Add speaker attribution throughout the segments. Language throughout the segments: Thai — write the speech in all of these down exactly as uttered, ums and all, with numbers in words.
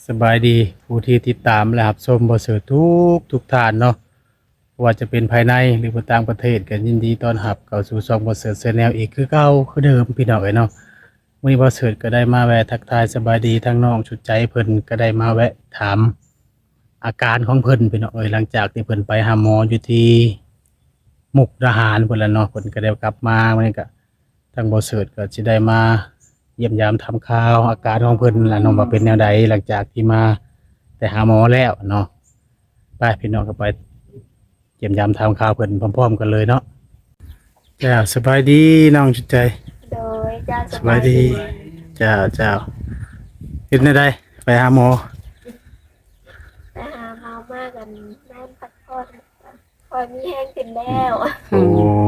Speaker 1: สบายดีผู้ที่ติดตามและรับชมบ่เสิร์ชทุกทุกท่านเนาะว่าจะเป็นภายในหรือว่าต่างประเทศก็ยินดีต้อนรับเข้าสู่ช่องบ่เสิร์ช Channel อีกคือเก่าคือเดิมพี่น้องเอ้ยเนาะมื้อนี้บ่เสิร์ชก็ได้มาแวะทักทายสบายดีทั้งน้องชุดใจเพิ่นก็ได้มาแวะถามอาการของเพิ่นพี่น้องเอ้ยหลังจากที่เพิ่นไปหาหมออยู่ที่มุกดาหารพุ่นล่ะเนาะเพิ่นก็ได้กลับมามื้อนี้ก็ทางบ่เสิร์ชก็สิได้มา เยี่ยมยามทำข่าวอาการของเพิ่นล่ะเนาะว่าเป็นแนวใดหลังจากที่มาแต่หาหมอแล้วเนาะไปพี่น้องก็ไปเยี่ยมยามทำข่าวเพิ่นพร้อมๆกันเลยเนาะจ้าสบายดีน้องชุดใจ
Speaker 2: โดยเจ้า
Speaker 1: สบายดีจ้าเจ้าเฮ็ดแนวใดไปหาหมอ
Speaker 2: ไปหาหมอมากกันนอนพักผ่อนคอยมีแห้งขึ้นแล้ว
Speaker 1: โอ้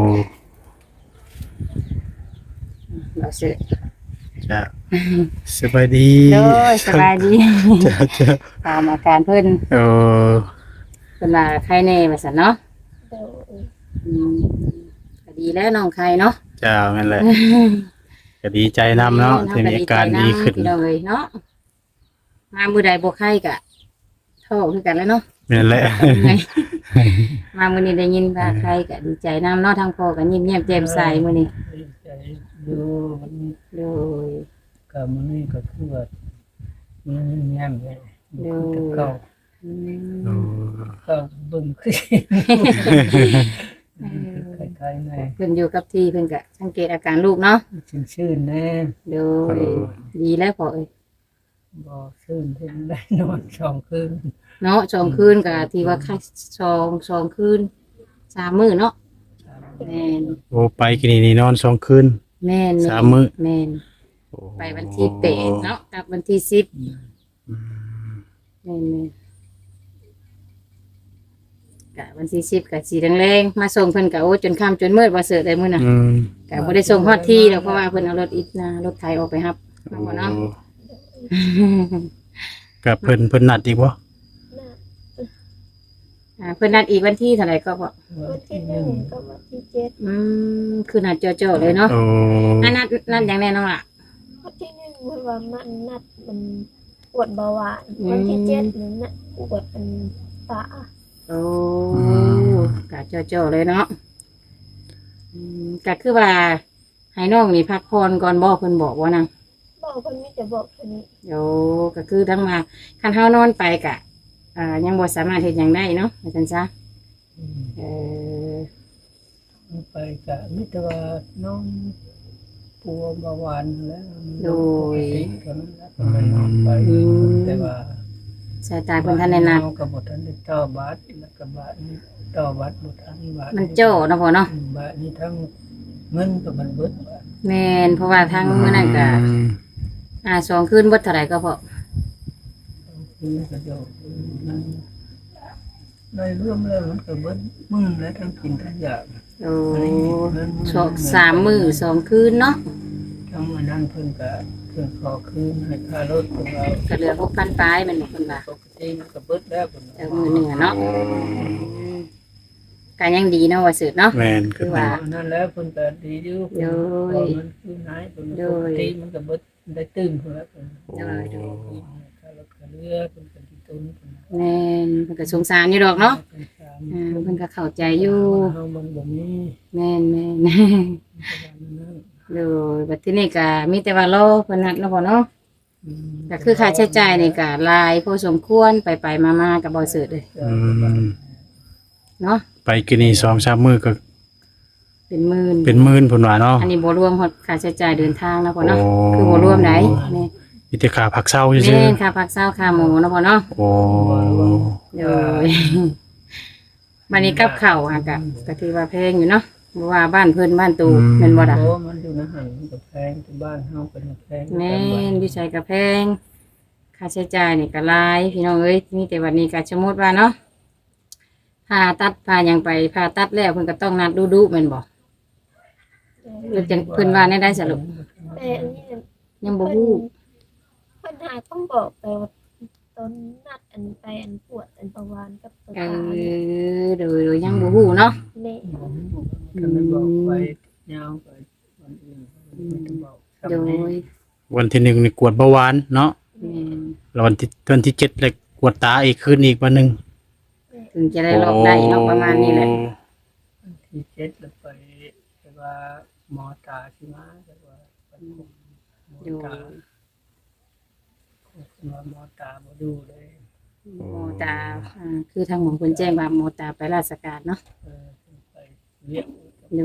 Speaker 3: เราซื้อ
Speaker 1: จ้าสบายดี
Speaker 3: โดยสบายดี
Speaker 1: จ้าจ้า
Speaker 3: ตามอาการเพิ่น
Speaker 1: โอ้
Speaker 3: เพิ่นว่าไข้แน่ว่าซั่นเนาะ
Speaker 2: โดย
Speaker 3: อืมก็ดีแล้วน้องไข้เนาะ
Speaker 1: จ้านั่นแหละก็ดีใจนำเนาะที่มีอาการดีขึ้น
Speaker 3: เลยเนาะมามื้อใดบ่ไข้ก็โทษคือกันแล้วเนาะ
Speaker 1: นั่นแหละ
Speaker 3: มามื้อนี้ได้ยินว่าไข้ก็ดีใจนำเนาะทางพ่อก็ยิ้มแย้มแจ่มใสมื้อนี้
Speaker 4: ใจอยู่มัน
Speaker 3: โดย
Speaker 4: ก็มันนี่ก็คือว่ามันแย่มเลย
Speaker 3: โดย
Speaker 4: ก็
Speaker 3: อืม
Speaker 1: โอ้
Speaker 4: ก็เบิ่งขึ้นคล้ายๆใน
Speaker 3: เพิ่นอยู่กับที่เพิ่นก็สังเกตอาการลูกเนาะ
Speaker 4: ชื่นๆแน่
Speaker 3: โดยดีแล้วพ่อเอ้ย
Speaker 4: บ่ชื่นเพิ่นได้นอนสองคืน
Speaker 3: เนาะสองคืนกับที่ว่าค่าสองสองคืนสามมื้อเนาะแม่น
Speaker 1: โอ้ไปกินนี่นอนสองคืน
Speaker 3: แม่น
Speaker 1: สามมื้อ
Speaker 3: แม่น
Speaker 1: โอ้
Speaker 3: ไปวันที่แปดเนาะกับวันที่สิบ
Speaker 1: อืม
Speaker 3: แม่นแม่นกะวันที่สิบกะสีแรงๆมาส่งเพิ่นกะโอ้จนค่ำจนมืดว่าเสิร์ชได้มื้อน่ะ
Speaker 1: อืม
Speaker 3: กะบ่ได้ส่งฮอดที่แล้วเพราะว่าเพิ่นเอารถอีกนะรถไถออกไปรับเอาบ่เนาะ
Speaker 1: กับเพิ่นเพิ่นนัดอีกบ่
Speaker 2: น่ะ
Speaker 3: อ่าเพิ่นนัดอีกวันที่เท่าไหร่ก็พอ
Speaker 2: วันที่หนึ่งกับวันที่เจ็ด
Speaker 3: อืมคือนัดจ่อๆเลยเนาะ
Speaker 1: โอ้
Speaker 3: อันนัดนัดอย่างแน่นอนล่ะ
Speaker 2: วันที่หนึ่งมันว่ามันนัดมันปวดเบาหวานวันที่เจ็ดนั้นน่ะปวดเป็นตา
Speaker 3: โอ้กะเจ้าๆเลยเนาะอืมกะคือว่าให้น้องนี่พักผ่อนก่อนบอกเพิ่นบอกว่านัง
Speaker 2: บอกคนนี้จะบอกคนนี้
Speaker 3: โอ้ก็คือทั้งมาคันเฮานอนไปกะ อ่า ยังบ่สามารถเฮ็ดหยังได้เนาะว่าซั่นซะเออ
Speaker 4: ไปก็มีแต่ว่าน้องปัวเบาหวานแล้วก็นั้นแล้วก็นอนไปแต่ว่า
Speaker 3: สายตาเพิ่นทันได้นัด
Speaker 4: ก็บ่ทันได้ต่อบาทแล้วก็บาทนี้ต่อบาทบ่ทันบาท
Speaker 3: มันโจ้เนาะพ่อเนาะ
Speaker 4: บาทนี้ทั้งเงินก็มันเบิดบาท
Speaker 3: แม่นเพราะว่าทางมื้อนั้นก็
Speaker 1: อืม
Speaker 3: อ่าสองคืนบ่เท่าไหร่ก็พอ
Speaker 4: คือก็จะนั่นในรวมแล้วมันก็เบิดมื้อแล้วทั้งกินทั้งอยาก
Speaker 3: โอ้สองสามมื้อสองคืนเนาะ
Speaker 4: ทั้งมื้อนั้นเพิ่นก็เพิ่นขอคืนให้ค่ารถของเรา
Speaker 3: ก็เหลือหกพันปลายแม่นบ่เพิ่นว่า
Speaker 4: ปกติมันก็เบิดแล้วเพิ่น
Speaker 3: เออมื้อหนึงอะเนาะก็ยังดีเนาะว่าสืบเนาะ
Speaker 1: แม่น
Speaker 3: คือว่า
Speaker 4: นั่นแล้วเพิ่นก็ดีอยู่เพิ่นพอมันคืนหายเพิ่นปกติมันก็เบิดได้ตื่นเพิ่นแล้วเพิ่น
Speaker 3: โดยโดย
Speaker 4: ค่ารถค่าเรือเพิ่นก็สิตุนเพิ่น
Speaker 3: แม่นเพิ่นก็สงสารอยู่ดอกเนาะอ่าเพิ่นก็เข้าใจอยู่
Speaker 4: เฮามันบ่มี
Speaker 3: แม่นแม่น
Speaker 4: นั่น
Speaker 3: โดยบัดทีนี้ก็มีแต่ว่ารอเพิ่นนัดเนาะพ่อเนาะก็คือค่าใช้จ่ายนี่ก็หลายพอสมควรไปๆมาๆก็บ่ซื้อเลย
Speaker 1: อืม
Speaker 3: เนาะ
Speaker 1: ไปกินนี่สองสามมื้อก็
Speaker 3: เป็นหมื่น
Speaker 1: เป็นหมื่นพุ่นว่าเนาะ
Speaker 3: อันนี้บ่รวมฮอดค่าใช้จ่ายเดินทางเนาะพ่อเนาะ
Speaker 1: โอ้
Speaker 3: คือบ่รวมไหนแม่
Speaker 1: มีแต่ค่าผักเช้าซื่อ
Speaker 3: แม่นค่าพักเช้าค่าหมูเนาะพ่อเนาะ
Speaker 1: ๆโอ้
Speaker 3: โดย บัดนี้กับข้าวอ่ะก็ก็ถือว่าแพงอยู่เนาะบ่ว่าบ้านเพิ่นบ้านตูแม่นบ่ล่ะ
Speaker 4: โอ้มันอยู่ในหันมันก็แพงที่บ้านเฮาก็แพง
Speaker 3: แม่นอยู่ใช้กระแพงค่าใช้จ่ายนี่ก็หลายพี่น้องเอ้ยมีแต่วันนี้ก็สมมุติว่าเนาะผ่าตัดผ่าหยังไปผ่าตัดแล้วเพิ่นก็ต้องนัดดูๆแม่นบ่เพิ่นจังเพิ่นว่าแน่ได้สรุป
Speaker 2: แต่อันนี้น่ะ
Speaker 3: ยังบ่ฮู้
Speaker 2: เพิ่นหาต้องบอกไปว่าตอนนัดอันไปอันปวดอันประวานกับตัว
Speaker 3: เอ
Speaker 2: ตา
Speaker 3: อโดยโดยยังบ่ฮู้เนาะ
Speaker 2: แม่
Speaker 4: ก็มันบอกไปยาวไปวันอื่นมันจะบอก
Speaker 3: โดย
Speaker 1: วันที่หนึ่งนี่กวดเบาหวานเนาะ
Speaker 3: แม่น
Speaker 1: แล้ววันที่วันที่เจ็ดเลยกวดตาอีกคืนอีกวันหนึง
Speaker 3: ถึงจะได้รอบได้เนาะประมาณนี้แหละ
Speaker 4: ที่เจ็ดแล้วไปแต่ว่าหมอตาสิมาแต่ว่าเป็นหมอ
Speaker 3: ดู
Speaker 4: ตาหมอหมอตาบ่ดูเลย
Speaker 3: โมตาอ่าคือทางหมอคนแจ้งว่าโมตาไปราชการเนาะ
Speaker 4: เออไปเรียก
Speaker 3: ดู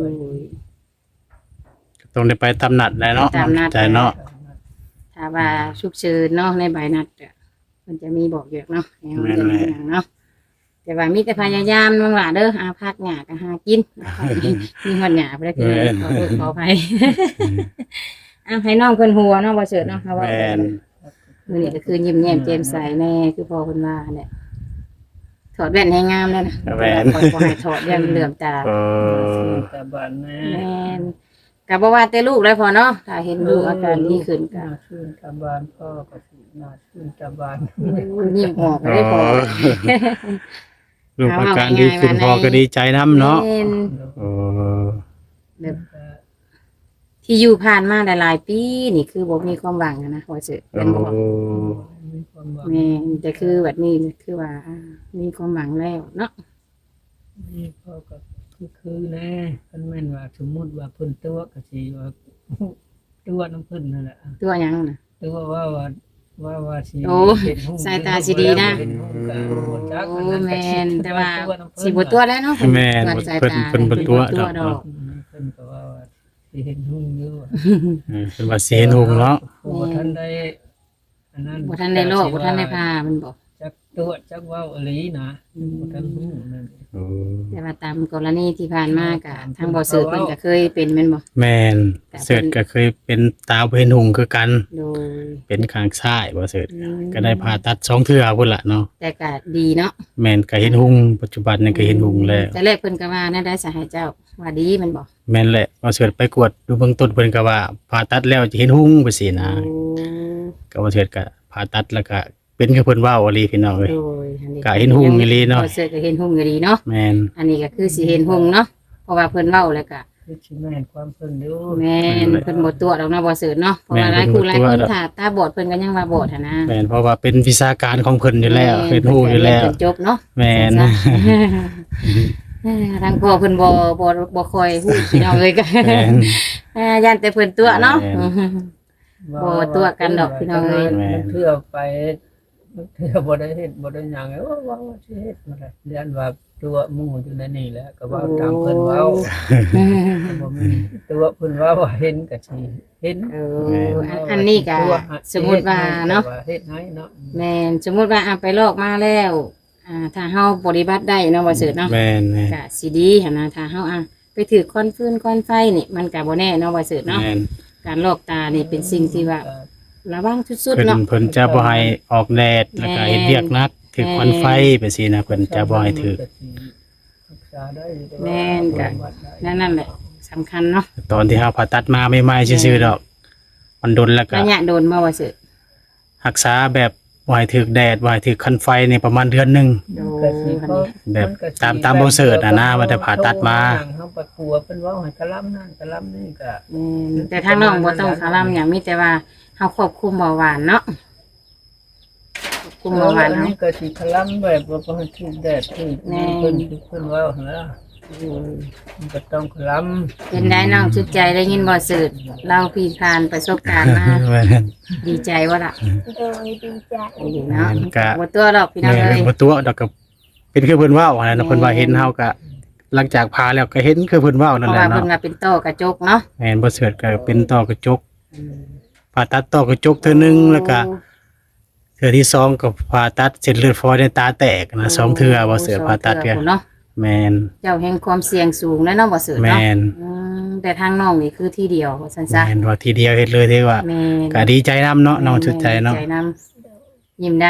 Speaker 1: ต้องได้ไปตามนัดแหล้วเนาะ
Speaker 3: ตามนัด
Speaker 1: ใจเนาะ
Speaker 3: ถ้าว่าฉุกเฉินเนาะในใบนัดอะมันจะมีบอกอยู่เนาะให้เราจะมีอย่างเนาะแต่ว่ามีแต่พยายามบางหล่ะเด้ออาพักหยาก็หากินมีหอดหยาไปได้คือขอโทษขออภัยอ่ะให้น้องเพิ่นหัวเนาะบ่เฉิดเนาะเพราะว่า
Speaker 1: แม่น
Speaker 3: มื้อนี้ก็คือยิ้มแย้มแจ่มใสแน่คือพ่อเพิ่นว่าแหละถอดแว่นให้งามแล้วนะ
Speaker 1: แม่น
Speaker 3: บ่บ่ให้ถอดเรื่องเหลื่อมตา
Speaker 1: เออ
Speaker 4: แต่บ้านแม่
Speaker 3: แม่นก็บ่ว่าแต่ลูกแล้วพอเนาะถ้าเห็นลูกอาการดีขึ้นก็
Speaker 4: น่าชื่นตาบ้านพ่อก็สิน่าชื่นตาบ้าน
Speaker 3: ยิ้มออกก็ได้พอ
Speaker 1: ลูกอาการดีขึ้นพอก็ดีใจน้ำเนาะ
Speaker 3: แม่น
Speaker 1: เออ
Speaker 3: แบบที่อยู่ผ่านมาหลายๆปีนี่คือบ่มีความหวังอะนะว่าสิ
Speaker 1: เอ
Speaker 3: เป็นบ่
Speaker 1: อ
Speaker 4: มีความหวัง
Speaker 3: แม่นแต่คือแบบนี้คือว่าอ่ามีความหวังแล้วเนาะ
Speaker 4: นี่พ่อก็คือคือแน่คันแม่นว่าสมมุติว่าเพิ่นตัวก็สิว่าตัวน้ำเพิ่นนั่นแหละ
Speaker 3: ตัวหยังน่ะ
Speaker 4: ตัวว่าว่าว่าว่าสิ
Speaker 3: โอ้
Speaker 4: เห็นหุ้ม
Speaker 3: สายตาสิดีนะ
Speaker 4: เห็นหุ้มก็บ่จัก
Speaker 3: โอ้
Speaker 4: อันนั้นก็
Speaker 3: แม่
Speaker 4: สิ
Speaker 3: นแต่ว่า
Speaker 4: ตัวน้ำเพิ่น
Speaker 3: สิบ่ตัวแล้วเนาะ
Speaker 1: แม่น
Speaker 3: ตรวจสาย
Speaker 1: เพิ่น
Speaker 3: ตา
Speaker 1: เพิ่นบ่ตัว
Speaker 3: เพิ่นบ่
Speaker 1: ดอก
Speaker 4: อืมเพิ่นก็ว่าว่าสิเห็นหุ้มอยู่
Speaker 1: เออเป็นว่าเสียหุงเนาะ
Speaker 4: โอ้บ่ทันได้อันนั้น
Speaker 3: บ่ทันได้โรคบ่ทันได้พามันบอก
Speaker 4: จักตัวจักเว้าอีหลีนะบ่ทันฮู้นั่น
Speaker 1: เออ
Speaker 3: แต่ว่าตามกรณีที่ผ่านมาก็ทางบ่สืบเพิ่นก็เคยเป็นแม่นบ่
Speaker 1: แม่นเสิร์ชก็เคยเป็นตาบ่เห็นหุงคือกัน
Speaker 3: โดย
Speaker 1: เป็นข้างซ้ายบ่เสิร์ช
Speaker 3: อืม
Speaker 1: ก็ได้ผ่าตัดสองเทื่อพุ่นล่ะเนาะ
Speaker 3: แต่ก็ดีเนาะ
Speaker 1: แม่นก็เห็นหุงปัจจุบันนี่ก็เห็นหุงแล้ว
Speaker 3: แต่แรกเพิ่นก็ว่าน่าได้สาให้เจ้าว่าดีแมันบอก
Speaker 1: แม่นแหละบ่เสิร์ชไปกวดดูเบื้องต้นเพิ่นก็ว่าผ่าตัดแล้วจะเห็นหุงไปสินะ
Speaker 3: โอ้
Speaker 1: ก็บ่เสิร์ชก็ผ่าตัดแล้วก็เป็นคือเพิ่นเว้าอีหลีพี่น้องเอ้ย
Speaker 3: โดยอันนี้
Speaker 1: ก็เห็นหุ่งอีหลีเนาะ
Speaker 3: พอเสิร์ชก็เห็นหุ่งอีหลีเนาะ
Speaker 1: แม่น
Speaker 3: อันนี้ก็คือสิเห็นหุ่งเนาะเพราะว่าเพิ่นเว้าแล้วก็
Speaker 4: คือสิแม่นความเพิ่นอยู่
Speaker 3: แม่นเพิ่นบ่ตัวจดอกนะบ่เสิร์ชเนาะเพราะว่าหลายคู่หลายคนถ้าตาบอดเพิ่นก็ยังว่าบอดหันนะ
Speaker 1: แม่นเพราะว่าเป็นวิชาการของเพิ่นอยู่แล้วเฮ็ดฮู้อยู่แล้ว
Speaker 3: เพิ่นจบเนาะ
Speaker 1: แม่น
Speaker 3: เออทางพ่อเพิ่นบ่บ่บ่ค่อยฮู้พี่น้องเลยก็
Speaker 1: แม่น
Speaker 3: เออย่านแต่เพิ่นตัวเนาะ
Speaker 1: แม่น
Speaker 3: บ่ตัวกันดอกพี่น้องเอ้ย
Speaker 4: มันเทื่อไปมันเทื่อบ่ได้เฮ็ดบ่ได้หยังเอ้ยว่าว่าว่าสิเฮ็ดบ่ได้เรียนว่าตัวหมู่อยู่ในนี่แหละก็เว่าตามเพิ่นเว้าบ่มีตัวเพิ่นเว้าว่าเห็นก็สิเห็น
Speaker 3: เอออันอันนี้ก็สมมุติว่าเนาะ
Speaker 4: เฮ็ดให้เนาะ
Speaker 3: แม่นสมมุติว่าอ่ะไปลอกมาแล้วอ่าถ้าเฮาปฏิบัติได้เนาะบ่เสิร์ชเนาะ
Speaker 1: แม่นแม่น
Speaker 3: ก็สิดีหั่นนะถ้าเฮาอ่ะไปถือคอนฟืนคอนไฟนี่มันก็บ่แน่เนาะบ่เสิร์ชเนาะ
Speaker 1: แม่น
Speaker 3: การลอกตานี่เป็นสิ่งที่ว่าระวังสุด
Speaker 1: เพิ่
Speaker 3: ๆ
Speaker 1: น
Speaker 3: เนาะ
Speaker 1: เพิ่นจะบ่ให้ออกแดดแล้วก็เฮ็ดเวียกหนักถึกควันไฟไปสินะเพิ่นจะบ่ให้ถึก
Speaker 4: รักษาได้อยู่
Speaker 3: แม่นก็นั่นนั่นแหละสำคัญเนาะ
Speaker 1: ตอนที่เฮาผ่าตัดมาใหม่ๆซื่อๆดอก มันโดนแล้วก็
Speaker 3: ระยะโดนมาบ่เสิร์ช
Speaker 1: รักษาแบบบ่ให้ถึกแดดบ่ให้ถึกควันไฟนี่ประมาณเดือนหนึง
Speaker 3: โด
Speaker 4: ก็
Speaker 3: น
Speaker 4: สิ
Speaker 3: อัน
Speaker 4: เขา
Speaker 3: นี้
Speaker 1: แบบตามตามบ่เสิร์ชอะนะว่าแต่ผ่าตัดมา
Speaker 4: เฮาประกัวเพิ่นเว้าให้กะลำนั่นกะลำนี่ก็
Speaker 3: แม่นแต่ทางน้องบ่ต้องคาร่ำหยังมีแต่ว่าเฮาควบคุมเบาหวานเนาะควบคุมเบาหวาน
Speaker 4: อัน
Speaker 3: เฮา
Speaker 4: นี้ก็สิกะลำแบบว่าบ่ให้ถูกแดดถูก
Speaker 3: แม่
Speaker 4: เพิ่นเพิ่นเว้าหั่นล่ะมันก็ต้องกะลำ
Speaker 3: เป็นได้น้องชุดใจได้ยินบ่สืดเราพี่ผ่านประสบการณ์มา
Speaker 1: แม่น
Speaker 3: ดีใจว่าล่ะ
Speaker 2: โดยดีใจ
Speaker 3: ดีเนาะ
Speaker 1: แม่นกะ
Speaker 3: บ่ตัวดอกพี่น้อง
Speaker 1: แม่
Speaker 3: เอ้ย
Speaker 1: นบ่ตัวดอกก็เป็นคือเพิ่นเว้าหั่นแหละเนาะ
Speaker 3: แม่น
Speaker 1: เพิ่นว่าเห็นเฮาก็หลังจากผ่าแล้วก็เห็นคือเพิ่นเว้า
Speaker 3: เพ
Speaker 1: นั่น
Speaker 3: ราะ
Speaker 1: แหละ
Speaker 3: ว่าเพิ่น
Speaker 1: เนาะ
Speaker 3: ว่าเป็นโตกระจกเนาะ
Speaker 1: แม่นบ่เสิร์ชก็เป็นต้อกระจกผ่าตัดต้อกระจกเทื่อหนึงแล้วก็เทื่อที่สองก็ผ่าตัดเส้นเลือดฝอยในตาแตกนะสองเทื่อบ่เสิร์ชผ่าตัด
Speaker 3: ส
Speaker 1: เทื่
Speaker 3: อ
Speaker 1: อง
Speaker 3: ทื่อเนาะ
Speaker 1: แม่น
Speaker 3: เจ้าแห่งความเสี่ยงสูงแล้วเนาะบ่สืด
Speaker 1: แม่
Speaker 3: เนาะ
Speaker 1: น
Speaker 3: อืมแต่ทางน้องนี่คือที่เดียวว่าซั่นซะ
Speaker 1: แม่นว่าทีเดียวเฮ็ดเลยเด้ว่า
Speaker 3: แม่น
Speaker 1: ก็ดีใจนํเนาะน้องชุดใจเนาะ
Speaker 3: ใจนำยิ้มได้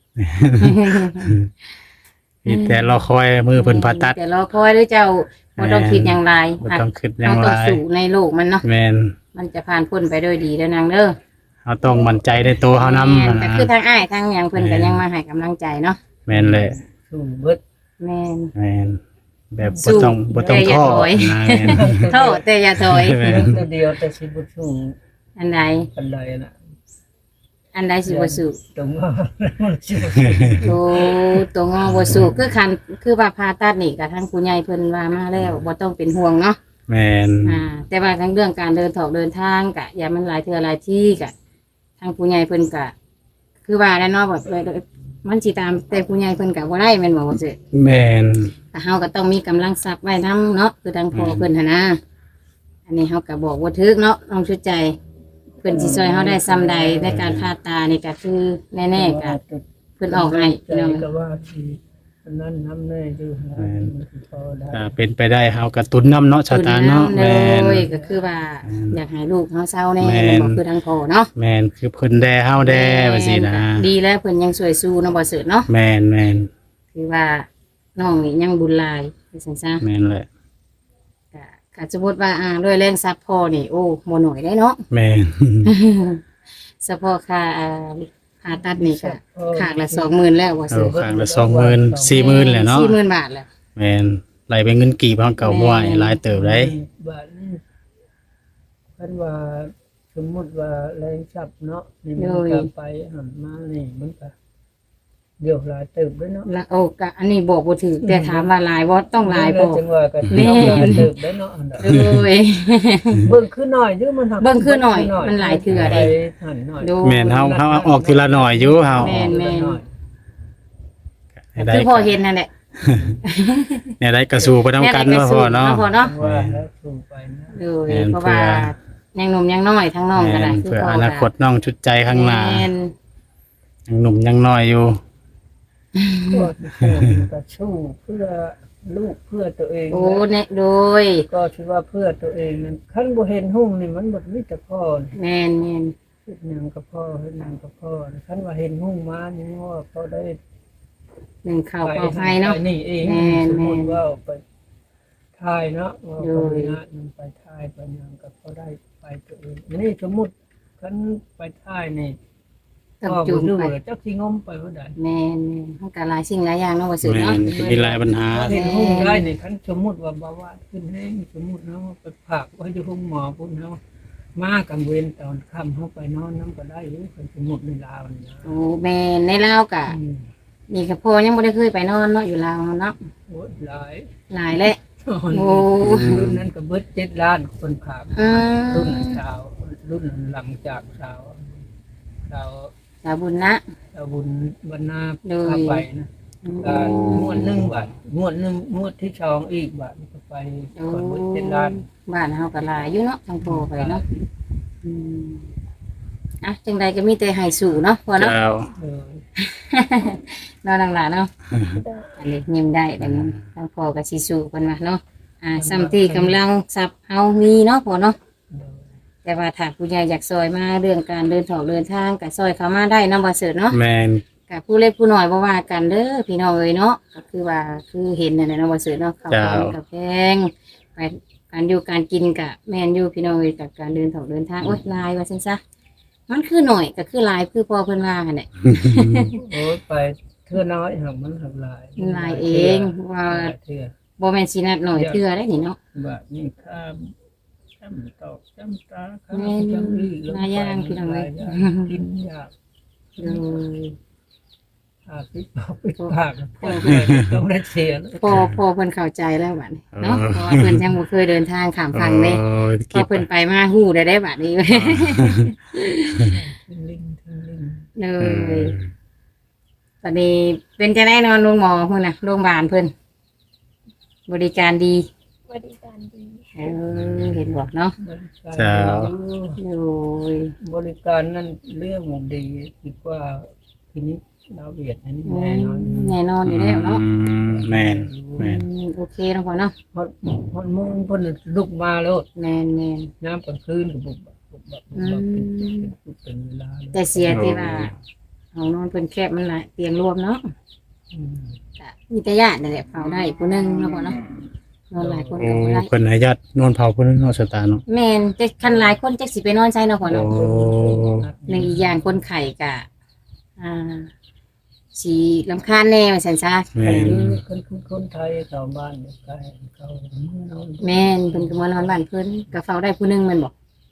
Speaker 1: มีแต่รอคอยมือเพิ่นผ่าตัด
Speaker 3: แต่รอคอยด้วยเจ้าบ่ต้องคิดอย่างไร
Speaker 1: บ่ต้องคิดหยั
Speaker 3: เรา
Speaker 1: งห
Speaker 3: ต้อง
Speaker 1: ลาย
Speaker 3: สู่ในโลกมันเนาะ
Speaker 1: แม่น
Speaker 3: มันจะผ่านพ้นไปด้วยดีแล้วนางเด้อ
Speaker 1: เฮาต้องมั่นใจในตัวเฮานำ
Speaker 3: แม่นแต่คือทางอ้ายทางหยังเพิ่นก็ยังมาให้กำลังใจเนาะ
Speaker 1: แม่นแหละ
Speaker 4: สู้เบิด
Speaker 3: แม่น
Speaker 1: แม่นแบบ
Speaker 3: สู้
Speaker 1: บ่ต้องบ่ต้อง
Speaker 3: แต่อย่า
Speaker 1: ท้อ
Speaker 3: ถอย
Speaker 1: นะแม่น
Speaker 3: โทษแต่อย่าถอย
Speaker 1: แม่น
Speaker 4: ตัวเดียวแต่สิบ่สู้
Speaker 3: อันใด
Speaker 4: ปานใดน่ะ
Speaker 3: อันใดสิบ่สุก
Speaker 4: ตรงว่าสิบ่
Speaker 3: โอ้ตัวงอบ่สุกคือคันคือว่าผ่าตัดนี่ก็ทางผู้ใหญ่เพิ่นว่ามาแล้วบ่ต้องเป็นห่วงเนาะ
Speaker 1: แม่น
Speaker 3: อ่าแต่ว่าทั้งเรื่องการเดินถอกเดินทางกะอย่ามันหลายเทื่อหลายที่กะทางผู้ใหญ่เพิ่นกะ คือว่าแล้วเนาะแบบเลยมันสิตามแต่ผู้ใหญ่เพิ่นกะบ่ได้แม่นบ่ว่าซื่อ
Speaker 1: แม่น
Speaker 3: ก็เฮาก็ต้องมีกำลังทรัพย์ไว้นํเนาะคือทางพ่อเพิ่นหั่นนะอันนี้เฮาก็บอกบ่ถึกเนาะน้องชุดใจเพิ่นสิช่วยเฮาได้ซำใดในการผ่าตานี่ก็คือแน่ๆก็เพิ่นออกให้พี่น้อง
Speaker 4: ก็ว่าสิอันนั้นน้ำแน่อยู่นะมันสิพอได้
Speaker 1: อ่าเป็นไปได้เฮากระตุ้นน้ำเนาะชาวตาเนาะ
Speaker 3: แม่
Speaker 1: แม่น
Speaker 3: นก็คือว่าอยากให้ลูกเฮาเศร้าแน่
Speaker 1: แม่น
Speaker 3: แม่นบ่คือทางพ่อเนาะ
Speaker 1: แม่นคือเพิ่นแดเฮาแดว่าซี่นะ
Speaker 3: ดีแล้วเพิ่นยังสวยสู้เนาะบ่เสิร์ชเนาะ
Speaker 1: แม่นแม่น
Speaker 3: คือว่าน้องนี่ยังบุญหลายว่าซั่นซะ
Speaker 1: แม่นเลย
Speaker 3: ก็ก็สมมุติว่าอ่าด้วยแรงซับพ่อนี่โอ้บ่น้อยได้เนาะ
Speaker 1: แม่น
Speaker 3: เฉพาะค่าอ่าผ่าตัดนี่ก็ข้างละสองหมื่นแล้วบ่
Speaker 1: เอา
Speaker 3: เสิร์ช
Speaker 1: ข้างละสองหมื่น สี่หมื่นแหละเนาะ
Speaker 3: สี่หมื่นบาทแล้ว
Speaker 1: แม่นไหลเป็นเงินกี่พันเก่าบ่อยหลายเติบได้
Speaker 4: บาทนี้เพิ่นว่าสมมุติว่าแรงจับเนาะนี่มันก็ไปหันมานี่มันก็เดี๋ยวหลายเติบด้วยเนาะ
Speaker 3: แล้วโอ้ก็อันนี้บอกบ่ถูกแต่ถามว่าหลายบ่ต้องหลายบ่
Speaker 4: จังว่าก็
Speaker 3: แม่
Speaker 4: หลายเติบได้เนาะอันนั้น
Speaker 3: โอ้ย
Speaker 4: เบิ่งคือหน่อยอยู่มันหัก
Speaker 3: เบิ่งคือหน่อยมันหลายเทื่อเด้
Speaker 4: ไปหันหน่อย
Speaker 3: โดย
Speaker 1: แม่นเฮาเฮาเอาออกทีละหน่อยอยู่เฮา
Speaker 3: แม่นแม่น
Speaker 1: ให้ได้
Speaker 3: คือพอเห็นนั่นแหละ
Speaker 1: เนี่ยได้กระสู่ไปนํกันเนาะพ่อเนาะ
Speaker 3: พอเนาะ
Speaker 4: ว่าแล้วสูงไปนะ
Speaker 3: โดย
Speaker 1: แม่น
Speaker 3: เพราะว่ายังหนุ่มยังน้อยทั้งน้องก็
Speaker 1: แม่
Speaker 3: ได้
Speaker 1: น
Speaker 3: คือ
Speaker 1: เพื่อ
Speaker 3: พ่อ
Speaker 1: อนาคตน้องชุดใจข้างหน้า
Speaker 3: แม่น
Speaker 1: ยังหนุ่มยังน้อยอยู่
Speaker 4: ก็สู้ก็สู้เพื่อลูกเพื่อตัวเอง
Speaker 3: โอ้เนี่ยโดย
Speaker 4: ก็คิดว่าเพื่อตัวเองนั้นคันบ่เห็นหุ่งนี่มันบ่มีแต่พ่อนี่
Speaker 3: แม่นแม่น
Speaker 4: เฮ็ดหยังกับพ่อเฮ็ดหยังกับพ่อคันว่าเห็นหุ่งมานี่ว่าเขาได้
Speaker 3: หนึ่งข่าวเป่าให้เนาะ
Speaker 4: ไปนี่เอง
Speaker 3: แม่น
Speaker 4: สมมุติ
Speaker 3: แม่น
Speaker 4: ว่าไปถ่ายเนาะว่า
Speaker 3: โด
Speaker 4: คน
Speaker 3: ย
Speaker 4: งานมันไปถ่ายไปหยังกับเขาได้ไปตัวเองนี่สมมุติคันไปถ่ายนี่
Speaker 3: ต้อง
Speaker 4: พ่อ
Speaker 3: จู
Speaker 4: บ่
Speaker 3: ง
Speaker 4: รู้
Speaker 3: ไป
Speaker 4: ว่าจักสิงมไปบ่ได้
Speaker 3: แม่นแม่นมันก็หลายสิ่งหลายอย่างเนาะว่าสิ
Speaker 1: แม่
Speaker 3: เนาะ
Speaker 1: นมีหลายปัญหา
Speaker 4: เห็นหุ่งได้นี่คันสมมุติว่าเบาหวานขึ้นแห้งสมมุติเนาะไปฝากไว้อยู่ห้องหมอพุ่นเนาะมากังเวรตอนค่ำเฮาไปนอนน้ำก็ได้อยู่คันสมมุติในลาวนี่นะ
Speaker 3: โอ้แม่นในลาวก็
Speaker 4: อืม
Speaker 3: นี่ก็พ่อยังบ่ได้เคยไปนอนเนาะอยู่ลาวเนาะ
Speaker 4: โอ้ยหลาย
Speaker 3: หลายแล้ว โอ้
Speaker 4: รุ่นนั้นก็เบิดเจ็ดล้านคนผาก
Speaker 3: อื
Speaker 4: รุ่น
Speaker 3: ม
Speaker 4: สาวรุ่นหลังจากสาวสาว
Speaker 3: สาบุญนะ
Speaker 4: สาวบุญบรรณา
Speaker 3: โดย
Speaker 4: พาไปนะการงวดหนึ่งบาทงวดหนึ่งงวดที่สองอีกบาทก็ไป
Speaker 3: โอ้
Speaker 4: คนเบิดเจ็ดล้าน
Speaker 3: บ้านเฮาก็หลายอยู่เนาะทางพ่อไปเนาะอืมอ่ะจังใดก็มีแต่ให้สู่เนาะพ่อเนาะ
Speaker 1: เจ้า
Speaker 4: เออ
Speaker 3: เนาะนางหลานเนาะ
Speaker 2: โดย
Speaker 3: อันนี้ยิ้มได้แต่นี้ทางพ่อก็สิสู่เพิ่นว่าเนาะอ่าซ้ำที่กำลังทรัพย์เฮามีเนาะพ่อเนาะ
Speaker 4: เออ
Speaker 3: แต่ว่าถ้าผู้ใหญ่อยากซอยมาเรื่องการเดินถอกเดินทางก็ซอยเขามาได้เนาะบ่เสิร์ชเนาะ
Speaker 1: แม่น
Speaker 3: กับผู้เล็กผู้น้อยบ่ว่ากันเด้อพี่น้องเอ้ยเนาะก็คือว่าคือเห็นนั่นแหละเนาะบ่เสิร์ชเนาะเขาของกับแพงไปการอยู่การกินก็แม่นอยู่พี่น้องเอ้ยกับการเดินถอกเดินทางโอ๊ยลายว่าซั่นซะมันคือหน่อยก็คือลายคือพอเพิ่นว่าหั่นแหละ
Speaker 4: โอ้ยไปเทื่อน้อยหักมันหักหลาย
Speaker 3: มันหลายเองว่า
Speaker 4: หลายเทื่อ
Speaker 3: บ่แม่นสินัดหน่อยเทื่อได้นี่เนาะ
Speaker 4: บาทนี่ข้ามจ้ำตอกจ้ำตาข้าม
Speaker 3: แม่น
Speaker 4: จ้ำลีลง
Speaker 3: หลายอย่างพี่น้องเอ้ย
Speaker 4: หลาอย่างกินยาก
Speaker 3: โดย
Speaker 4: อาปิดปากปิดปากต้องได้เสียแล้ว
Speaker 3: พอพอเพิ่นเข้าใจแล้วบัดนี้เนาะเพราะว่าเพิ่นยังบ่เคยเดินทางข้ามฝั่งเด้
Speaker 1: โอ้ย
Speaker 3: พอเพิ่นไปมาฮู้ได้ได้บัดนี้
Speaker 4: ทิ้งลิงทิ้งลิง
Speaker 3: เล
Speaker 1: เอย อ
Speaker 3: ตอนนี้เป็นจะได้นอนโรงหมอเพิ่นน่ะโรงพยาบาลเพิ่นบริการดี
Speaker 2: บริการดี
Speaker 3: เออเห็นบอกเนาะ
Speaker 4: บริการ
Speaker 1: เจ้า
Speaker 3: โอ้ย
Speaker 4: บริการนั่นเรื่องดีคิดว่าทีนี้ดาวเวียดนั่นแน่นอน
Speaker 3: แน่นอนอยู่แล้วเนาะ
Speaker 1: อืมแม่นแม่น
Speaker 3: อืมโอเคเนาะพ่อเนาะ
Speaker 4: ฮอดฮอดมุ่งเพิ่นลุกมาแล้ว
Speaker 3: แม่นแม่น
Speaker 4: น้ำกลางคืนก็บุบบับบุบบับบุบบับเป็นเป็นเวลาเลย
Speaker 3: แต่เสียที่ว่าห้องนอนเพิ่นแคบมันหลายเตียงรวมเนาะ
Speaker 4: อืม
Speaker 3: ก็มีแต่ญาตินั่นแหละเฝ้าได้ผู้หนึงเนาะพ่อเนาะนอนหลายคน
Speaker 1: โอ้
Speaker 3: ก็บ่ได้
Speaker 1: เพิ่นให้ญาตินอนเผาเพิ่นเนาะชะตาเนาะ
Speaker 3: แม่นแต่คันหลายคนจักสิไปนอนใช้เนาะพ่อเนาะ
Speaker 1: โอ้
Speaker 3: หนึ่งอีกอย่างคนไข่กะอ่าสีลำคาญแน่ว่าสันซะ
Speaker 1: แม่น
Speaker 4: คนคนคนไทยชาวบ้านใกล้เขาเมื่อนอน
Speaker 3: แม่นเพิ่นก็มานอนบ้านเพิ่นก็เฝ้าได้ผู้หนึงแม่นบอก
Speaker 4: ผ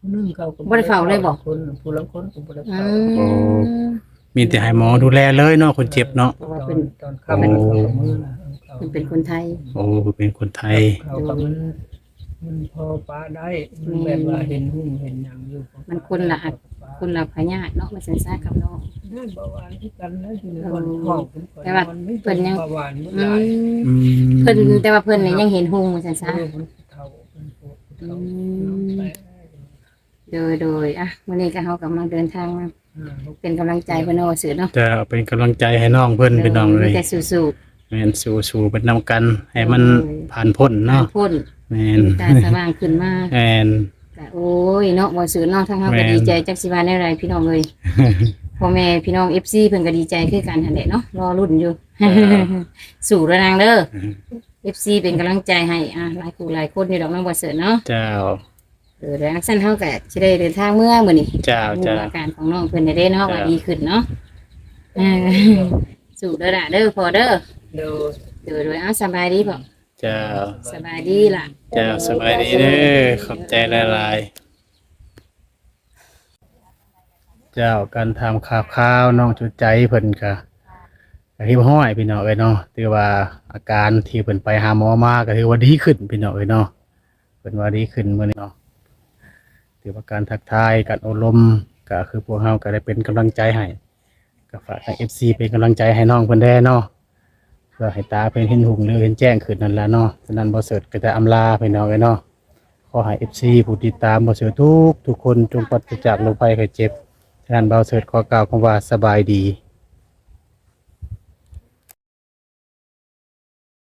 Speaker 4: ผู้หนึงเขาก็
Speaker 3: บ่ได้เฝ้าเลยบ่
Speaker 4: คนผู้ลางคนก็บ่ได้
Speaker 3: อื
Speaker 4: เฝ้า
Speaker 3: ม
Speaker 1: มีแต่ให้หมอดูแลเลยเนาะคนเจ็บเนาะ
Speaker 3: เพราะว่า
Speaker 4: ตอ
Speaker 3: เพิ่
Speaker 4: น
Speaker 3: น
Speaker 4: ตอนค่ำเขาก็มือนะเขา
Speaker 3: เพิ่นเป็นคนไทย
Speaker 1: โอ้เป็นคนไทย
Speaker 4: เขาก็มันมันพอปาได้มันแบบว่าเห็นหุ้มเห็นหยังอยู่
Speaker 3: มันคนละอัก คนละพญาติเนาะมาสันซากับน้อง
Speaker 4: นั่นเบาหวานที่กันแล้วอยู่ในคนห้องเป็นคน
Speaker 3: แต่ว่า
Speaker 4: มันไม่
Speaker 3: เพิ่นยัง
Speaker 4: เบาหวานเมื่อ
Speaker 3: อื
Speaker 4: ไหร่
Speaker 3: ม
Speaker 1: อืม
Speaker 3: เพิ่นแต่ว่าเพิ่นนี่ยังเห็นหุงมาสันซา
Speaker 4: เออมันเฒ่าเป็นปวดเฒ่า
Speaker 3: อืม
Speaker 4: น้ำแปะ
Speaker 3: โดยโดยอ่ะวันนี้ก็เฮากำลังเดินทางมา
Speaker 4: อ่าลูก
Speaker 3: เป็นกำลังใจเพิ่นเอาสื่อเนาะ
Speaker 1: จะเป็นกำลังใจให้น้องเพิ่นพี่น้องเลย
Speaker 3: มีแต่สู้
Speaker 1: แม่นสู้ๆเป็นนำกัน ให้มัน
Speaker 3: โอ้ย
Speaker 1: ผ่านพ้น
Speaker 3: ๆ
Speaker 1: เนาะ
Speaker 3: พ้น
Speaker 1: แม่น
Speaker 3: ตาสว่างขึ้นมา
Speaker 1: แม่น
Speaker 3: ก็โอ้ยเนาะบ่สื่อเนาะทั้งเฮา
Speaker 1: แม่
Speaker 3: ก็
Speaker 1: น
Speaker 3: ดีใจจักสิว่าแนวใดพี่น้องเอ้ยพ่อแม่พี่น้อง เอฟ ซี เพิ่นก็ดีใจคือกันหั่นแหละเนาะรอรุ่นอยู่ สู้เด้อนางเด้อ เอฟ ซี เป็นกำลังใจให้อ่ะหลายคู่หลายคนอยู่ดอกน้องบ่เสิร์เนาะ
Speaker 1: เจ้า
Speaker 3: เออแล้วสั้นเฮาก็สิได้เดินทางเมื่อมื้อนี้
Speaker 1: เจ้า
Speaker 3: ดู
Speaker 1: เจ้า
Speaker 3: อาการของน้องเพิ่นได้เด้เนาะ
Speaker 1: จ้ะ
Speaker 3: ว่าดีขึ้นเนาะเออสู้เด้อล่ะเด้อพอเด้อ
Speaker 4: เดี๋ยว
Speaker 3: เด้อโดยเอาสบายดีพ่อ
Speaker 1: เจ้า
Speaker 3: สบายดีล่ะ
Speaker 1: เจ้าสบายดีเด้อขอบใจหลายๆเจ้าการทำข่าวข้าวน้องจุดใจเพิ่นก็ก็ที่ห้อยพี่น้องเอ้ยเนาะถือว่าอาการที่เพิ่นไปหาหมอมาก็ถือว่าดีขึ้นพี่น้องเอ้ยเนาะเพิ่นว่าดีขึ้นมื้อนี้เนาะถือว่าการทักทายการอบรมก็คือพวกเฮาก็ได้เป็นกำลังใจให้ก็ฝากทาง เอฟ ซี เป็นกำลังใจให้น้องเพิ่นได้เนาะเพื่อให้ตาเพิ่นเห็นหุ่งหรือเห็นแจ้งขึ้นนั่นล่ะเนาะฉะนั้นบ่เสิร์ชก็จะอำลาพี่น้องเอ้ยเนาะขอให้ เอฟ ซี ผู้ติดตามบ่เสิร์ชทุกทุกคนจงปราศจากโรคภัยไข้เจ็บฉะนั้นบ่เสิร์ชขอกล่าวคำว่าสบายดี